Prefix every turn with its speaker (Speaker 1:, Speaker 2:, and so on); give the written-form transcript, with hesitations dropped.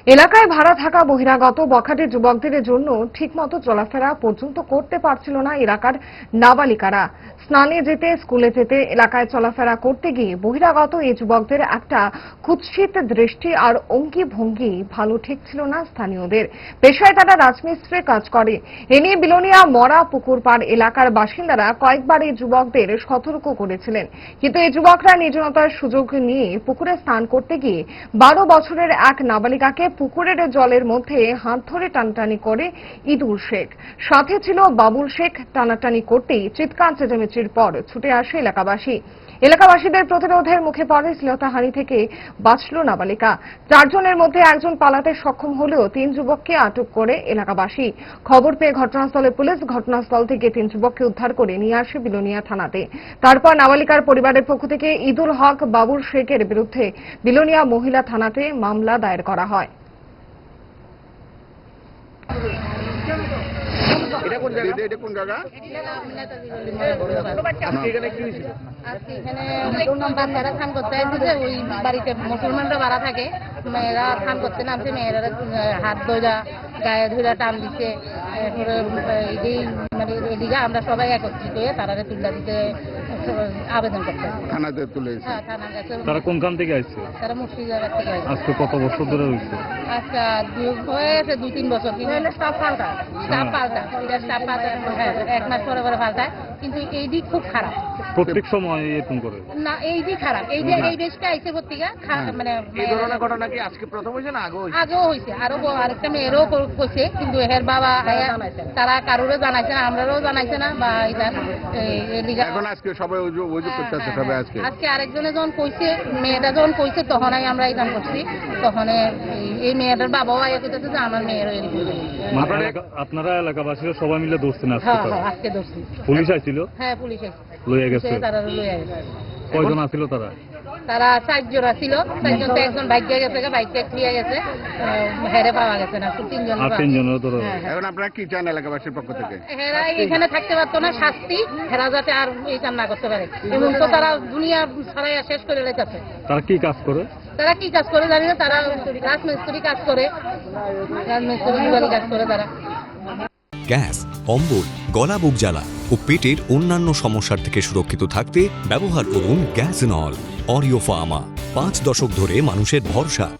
Speaker 1: এলাকায় ভাড়া থাকা বহিরাগত বখাটে যুবকদের জন্য ঠিকমতো চলাফেরা পর্যন্ত করতে পারছিল না এলাকার নাবালিকারা। স্নানে যেতে, স্কুলে যেতে, এলাকায় চলাফেরা করতে গিয়ে বহিরাগত এই যুবকদের একটা কুৎসিত দৃষ্টি আর অঙ্গি ভঙ্গি ভালো ঠেকছিল না স্থানীয়দের। পেশায় তারা রাজমিস্ত্রির কাজ করে। এ নিয়ে বিলোনিয়া মরা পুকুরপাড় এলাকার বাসিন্দারা কয়েকবার এই যুবকদের সতর্ক করেছিলেন, কিন্তু এই যুবকরা নির্জনতার সুযোগ নিয়ে পুকুরে স্নান করতে গিয়ে 12 বছরের এক নাবালিকাকে পুকুরের জলের মধ্যে হাত ধরে টানাটানি করে ইদুল শেখ। সাথে ছিল বাবুল শেখ। টানাটানি করতেই চিৎকার চেঁচামেচির পর ছুটে আসে এলাকাবাসীদের প্রতিরোধের মুখে পড়ে শ্লীলতাহানি থেকে বাঁচল নাবালিকা। 4 জনের মধ্যে একজন পালাতে সক্ষম হলেও 3 যুবককে আটক করে এলাকাবাসী। খবর পেয়ে ঘটনাস্থলে পুলিশ ঘটনাস্থল থেকে 3 যুবককে উদ্ধার করে নিয়ে আসে বিলোনিয়া থানাতে। তারপর নাবালিকার পরিবারের পক্ষ থেকে ইদুল হক, বাবুল শেখের বিরুদ্ধে বিলোনিয়া মহিলা থানাতে মামলা দায়ের করা হয়।
Speaker 2: এটা কোন জায়গা? এটা কোন জায়গা? আজকে এখানে কি হয়েছিল?
Speaker 3: আজকে এখানে বাচ্চারা স্নান করতে আসছে। ওই বাড়িতে মুসলমানরা ভাড়া থাকে, মেয়েরা স্নান করতে নামছে। মেয়েরা হাত ধরা, গায়ে ধরা টান দিচ্ছে। মানে এদিকে আমরা সবাই একত্রিত হয়ে তারা তুল্লা দিতে আবেদন করতে
Speaker 2: থানাতে তুলে এসেছে।
Speaker 3: হ্যাঁ, থানা গেছে।
Speaker 4: তারা কোনখান থেকে আসছে?
Speaker 3: তারা মুর্শিদাবাদ থেকে আসছে।
Speaker 4: আজকে কত বছর ধরে হয়েছে?
Speaker 3: আচ্ছা, হয়েছে 2-3 বছর। কিন্তু স্টাফ পাল্টায়, হ্যাঁ, 1 মাস পরে পরে পাল্টায়। কিন্তু এই দিক খুব খারাপ।
Speaker 4: প্রত্যেক সময় এরকম করে
Speaker 3: না, এই দিক খারাপ। এই যে এই দেশটা আইসে পত্রিকা মানে
Speaker 2: এই ধরনের ঘটনা কি আজকে প্রথম হয়েছে না আগেও হয়েছে?
Speaker 3: আগেও হয়েছে। আরেকটা মেয়েরও করছে, কিন্তু এর বাবা তারা কারোরও জানাইছে না, আমরাও জানাইছে না। বা
Speaker 2: এখন আজকে সবাই অভিযোগ করতেছে সবাই
Speaker 3: আজকে আরেকজনে যখন কইছে, মেয়েটা যখন কইছে, তখনই আমরা এই করছি। তখন এই মেয়েটার বাবাও আগে কইতেছে যে আমার মেয়েরও
Speaker 4: আপনারা এলাকাবাসীরা সবাই মিলে ধরছেন আজকে?
Speaker 3: হ্যাঁ, আজকে ধরছি।
Speaker 4: পুলিশ আইছিল?
Speaker 3: হ্যাঁ, পুলিশ
Speaker 4: লইয়া গেছে।
Speaker 3: তারা লইয়া গেছে।
Speaker 4: কয়জন আছিল তারা?
Speaker 3: তারা 4 জন ছিল। 4 জন তো একজন বাইকে গেছে, বাইকটা ক্লিয়ার গেছে, হেরে পাওয়া গেছে না। 3 জন।
Speaker 4: 3 জনের ধরো।
Speaker 2: এখন আপনারা কি চান এলাকাবাসীর পক্ষ থেকে?
Speaker 3: হেরা এখানে থাকতে পারতো না, শাস্তি। হেরা যাতে আর এই কাজ না করতে পারে, এবং তো তারা দুনিয়া ছড়াইয়া শেষ করে রেখেছে।
Speaker 4: তারা কি কাজ করে?
Speaker 3: তারা কি কাজ করে জানি না। তারা রাজমিস্ত্রি কাজ করে, রাজমিস্ত্রি কাজ করে তারা।
Speaker 5: গ্যাস, অম্বল, গলা বুক জ্বালা ও পেটের অন্যান্য সমস্যার থেকে সুরক্ষিত থাকতে ব্যবহার করুন গ্যাসনল। অরিও ফার্মা, 5 দশক ধরে মানুষের ভরসা।